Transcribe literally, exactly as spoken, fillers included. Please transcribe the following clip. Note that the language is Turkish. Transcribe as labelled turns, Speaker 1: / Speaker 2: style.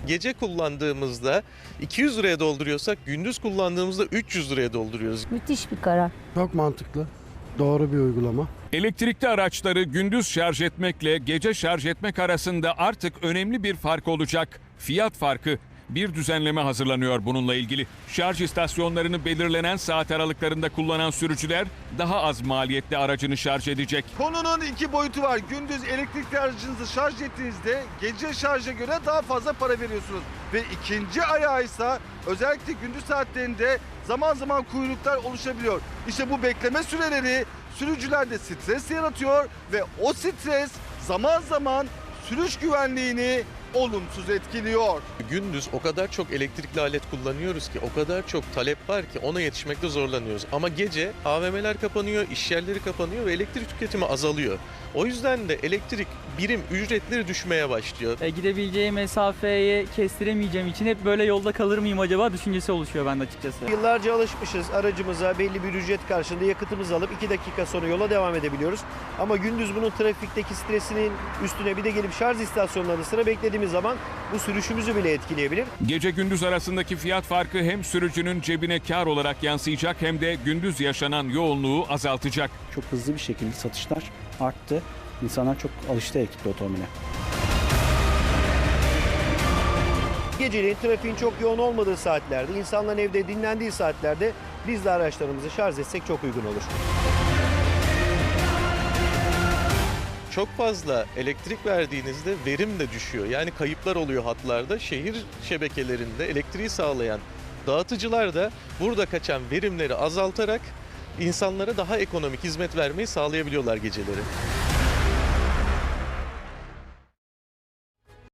Speaker 1: gece kullandığımızda iki yüz liraya dolduruyorsak gündüz kullandığımızda üç yüz liraya dolduruyoruz.
Speaker 2: Müthiş bir karar.
Speaker 3: Çok mantıklı. Doğru bir uygulama.
Speaker 4: Elektrikli araçları gündüz şarj etmekle gece şarj etmek arasında artık önemli bir fark olacak. Fiyat farkı. Bir düzenleme hazırlanıyor bununla ilgili. Şarj istasyonlarını belirlenen saat aralıklarında kullanan sürücüler daha az maliyetli aracını şarj edecek.
Speaker 5: Konunun iki boyutu var. Gündüz elektrikli aracınızı şarj ettiğinizde gece şarja göre daha fazla para veriyorsunuz. Ve ikinci ayağı ise özellikle gündüz saatlerinde zaman zaman kuyruklar oluşabiliyor. İşte bu bekleme süreleri sürücülerde stres yaratıyor ve o stres zaman zaman sürüş güvenliğini olumsuz etkiliyor.
Speaker 1: Gündüz o kadar çok elektrikli alet kullanıyoruz ki, o kadar çok talep var ki ona yetişmekte zorlanıyoruz. Ama gece A V M'ler kapanıyor, iş yerleri kapanıyor ve elektrik tüketimi azalıyor. O yüzden de elektrik birim ücretleri düşmeye başlıyor.
Speaker 6: E, gidebileceği mesafeyi kestiremeyeceğim için hep böyle yolda kalır mıyım acaba düşüncesi oluşuyor bende açıkçası.
Speaker 7: Yıllarca alışmışız aracımıza belli bir ücret karşılığında yakıtımızı alıp iki dakika sonra yola devam edebiliyoruz. Ama gündüz bunun trafikteki stresinin üstüne bir de gelip şarj istasyonlarının sıra beklediğimiz zaman bu sürüşümüzü bile etkileyebilir.
Speaker 4: Gece gündüz arasındaki fiyat farkı hem sürücünün cebine kar olarak yansıyacak hem de gündüz yaşanan yoğunluğu azaltacak.
Speaker 8: Çok hızlı bir şekilde satışlar arttı. İnsanlar çok alıştı elektrikli otomobile.
Speaker 7: Geceleyin trafiğin çok yoğun olmadığı saatlerde, insanların evde dinlendiği saatlerde biz de araçlarımızı şarj etsek çok uygun olur.
Speaker 1: Çok fazla elektrik verdiğinizde verim de düşüyor. Yani kayıplar oluyor hatlarda. Şehir şebekelerinde elektriği sağlayan dağıtıcılar da burada kaçan verimleri azaltarak insanlara daha ekonomik hizmet vermeyi sağlayabiliyorlar geceleri.